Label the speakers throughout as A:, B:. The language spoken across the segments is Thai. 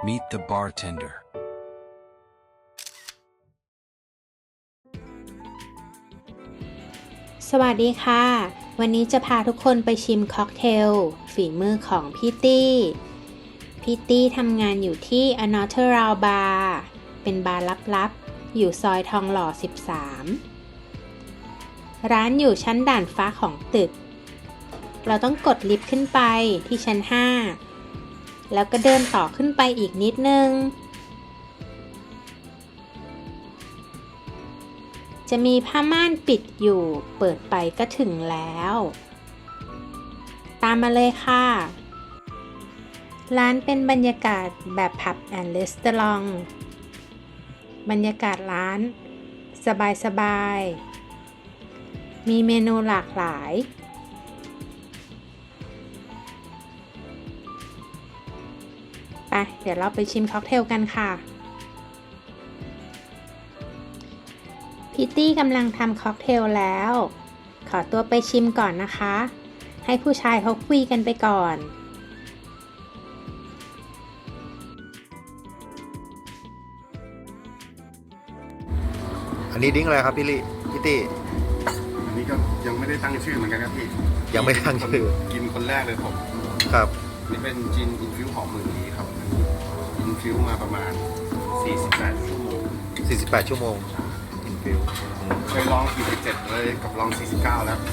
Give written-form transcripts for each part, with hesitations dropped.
A: Meet the bartender.
B: สวัสดีค่ะ วันนี้จะพาทุกคนไปชิมค็อกเทลฝีมือของพี่ตี้ทำงานอยู่ที่ Another Round Bar เป็นบาร์ลับๆอยู่ซอยทองหล่อ 13 ร้านอยู่ชั้นด่านฟ้าของตึก เราต้องกดลิฟต์ขึ้นไปที่ชั้น 5 แล้วก็เดินต่อขึ้นไปอีกนิดนึง จะมีผ้าม่านปิดอยู่เปิดไปก็ถึงแล้ว ตามมาเลยค่ะ ร้านเป็นบรรยากาศแบบผับแอนด์รีสตอรองบรรยากาศร้านสบายๆมีเมนูหลากหลายไปเดี๋ยวเราไปชิมค็อกเทลกันค่ะพิตตี้กำลังทำค็อกเทลแล้ว ขอตัวไปชิมก่อนนะคะ ให้ผู้ชายเขาคุยกันไปก่อน
C: อันนี้ดิ้งอะไรครับพี่ตี้
D: อันนี้ก็ยังไม่ได้ตั้งชื่อเหมือนกันครับพี่
C: ยังไม่ตั้งชื่อ
D: กินคนแรกเลยผม
C: ครับ
D: นี่เป็นจินอินฟิวหอมมือนี้ครับอินฟิวมาประมาณ48 ชั่วโมง
C: 48 ชั่วโมงอินฟิว
D: เคยลอง47เลยกับลอง49แล้ว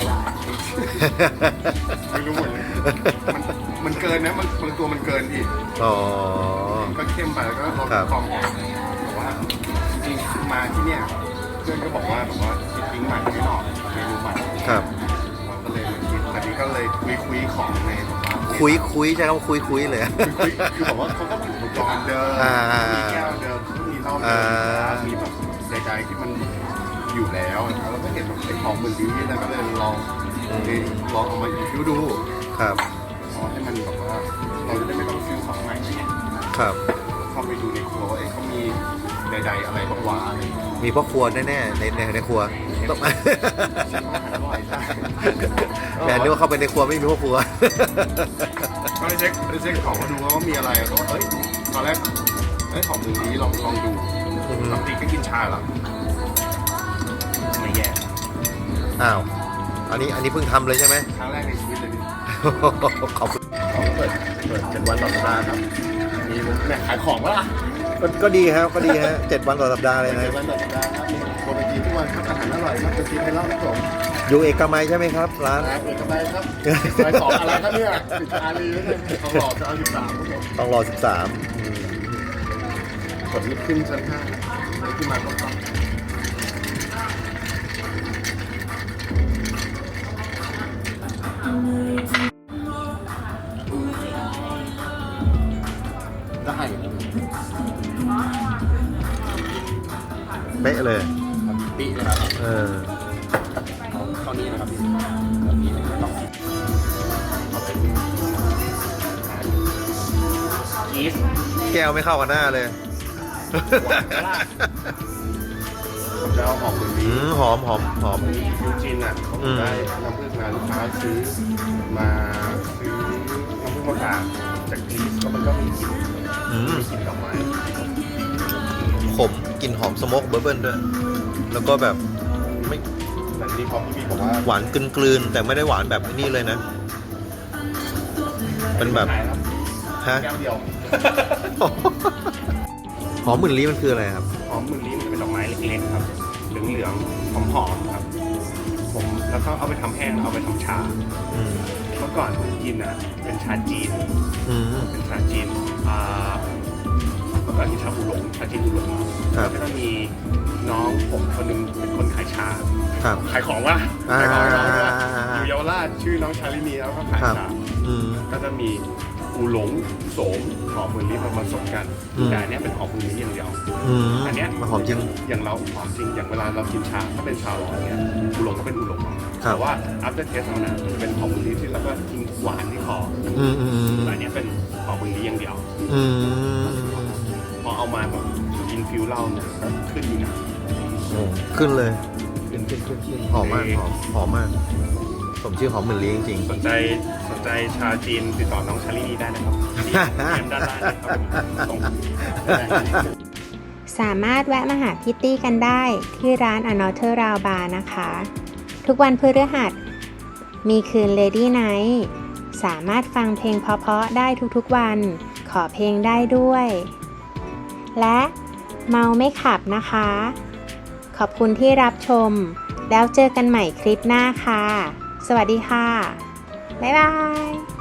D: ไม่รู้เหมือนกันมันเกินนะบางตัวมันเกินพี่
C: อ๋อ
D: ก็เข้มไปแล้วก็ลด
C: ครับ
D: ความหอมแต่ว่าจริงๆมาที่เนี่ยเพื่อนก็บอกว่าคิดทิ้งใหม่ไม่หน่อยเมนูใหม่
C: ครับ
D: เราก็เลยมาคิดแต่นี้ก็เลยคุยของในแบบว่า
C: คุยใช่คำว่าคุยเลย
D: คือบอกว่าเขาก็มีอุปกรณ์เดิม มีแก้วเดิมมีเหล้าเดิมมีแบบใดๆที่มันอยู่แล้วนะครับแล้วก็เห็นแบบไอ้ของมือดีแล้วก็เลยลองเอามาฟิวดู
C: ครับ
D: ให้มันแบบว่าเราจะได้ไม่ต้องฟิวของใหม่ไง
C: ครับ
D: เข้าไปดูในครัวว่าเขามีใดๆอะไรบ้างวะอะไร
C: มีพ่อครัวแน่ๆในครัวต้อง
D: ชิมอาหารอร่อยใช่
C: แต่นึกว่าเข้าไปในครัวไม่มีพ่อครัว
D: ก็ได้เช็คของมาดูว่ามีอะไรก็เอ้ยตอนแรกของมือดีลองดูปกติก็กินชาแล้วไม่แย่
C: อ้าว อันนี้เพิ่งทำเลยใช่ไหม
D: ครั้งแรกในชีวิตเลยพี่
C: ขอบคุณ
D: ของเปิด7 วันต่อสัปดาห์ครับมีแม่ขายของวะล่ะ
C: ก็ดีครับก็ดีฮะ7 วันต่อสัปดาห์เลยนะ
D: 7 วันต่อสัปดาห์ครับมีโปรไปกินทุกวันครับอาหารอร่อยครับจะกินให้เล่าครับผม
C: อยู่เอกมัยใช่ไหมครับร้าน
D: ครับเอกมัยครับไปสองอะไรครับเนี่ยติดอารีเขาหลอกจะเอา13ครับผม
C: ต้องรอ
D: กดลิฟต์ขึ้นชั้น5แล้วขึ้นมาก็ต่อได้
C: 13เป๊ะเลย
D: ปีนะครับ
C: เออ
D: เท่านี้นะครับพี่แบบนี้ไม่ต้องเอาเป็นชีส
C: แก้วไม่เข้ากับหน้าเลย
D: หวานกระลาผมจะเอาหอมมือนี้
C: หอม
D: ยูจินอ่ะเขาได้น้ำผึ้งมาลูกค้าซื้อน้ำผึ้งมาฝากจากกรีซแล้วมันก็มีกลิ่น
C: อืม
D: ดอกไม้
C: ขมกลิ่นหอมสโมกเบอร์เบิลด้วย แล้วก็แบบไม่
D: แต่ทีนี้พอพี่บีบอกว่า
C: หวานกลืนๆแต่ไม่ได้หวานแบบนี้เลยนะ เป็นแบบ
D: ขายครับ
C: ฮะ
D: แก้วเดียว
C: หอมหมื่นลี้มันคืออะไรครับ
D: หอมมือนี้มันจะเป็นดอกไม้เล็กๆครับเหลืองๆหอมๆครับผมแล้วก็เอาไปทำแห้งเอาไปทำชา
C: อืม
D: เมื่อก่อนผมกินอ่ะเป็นชาจีน
C: อืม
D: เป็นชาจีนเมื่อก่อนกินชาอูหลงชาจีนอูหลง
C: ครับ
D: แล้วก็มีน้องผมคนหนึงเป็นคนขายชา
C: ครับ
D: ขายของวะขายของให้น้องด้วยอยู่เยาวราชชื่อน้องชาลินีแล้วก็ขาย
C: ครับ
D: ชา
C: อืม
D: ก็จะมีอูหลงโสมหอมมือลิ้นมาผสมกัน
C: อืม
D: แต่อันเนี้ยเป็นหอมมือลิ้นอย่างเดียว
C: อืม
D: อันเนี้ย
C: มันหอมจริง
D: อย่างเราหอมจริงอย่างเวลาเรากินชาถ้าเป็นชาร้อนเนี่ยอูหลงก็เป็นอูหลง
C: ครับ
D: แต่ว่า after taste เอานะจะเป็นหอมมือลิ้นที่แล้วก็ทิ้งหวานที่คอ
C: อืม
D: แต่อันเนี้ยเป็นหอมมือลิ้นอย่างเดียว
C: อืม
D: พอเอามาแบบอินฟิวเหล้าเนี่ยก็ขึ้นอยู่นะ
C: โอ้ขึ้นเลย
D: ขึ้น
C: หอมมากหอมมาก ผมชื่อหอมหมื่นลี้จริง
D: สนใจ
A: ใจชาวจีนติดต่อน้องชาลีได้นะครับที่เกมด้านล่างนะครับผมส่ง
B: สามารถแวะมาหาพี่ตี้กันได้ที่ร้าน Another Round Bar นะคะ ทุกวันพฤหัสมีคืน Lady Night สามารถฟังเพลงเพราะๆได้ทุกๆวัน ขอเพลงได้ด้วย และเมาไม่ขับนะคะ ขอบคุณที่รับชม แล้วเจอกันใหม่คลิปหน้าค่ะ สวัสดีค่ะ บ๊ายบาย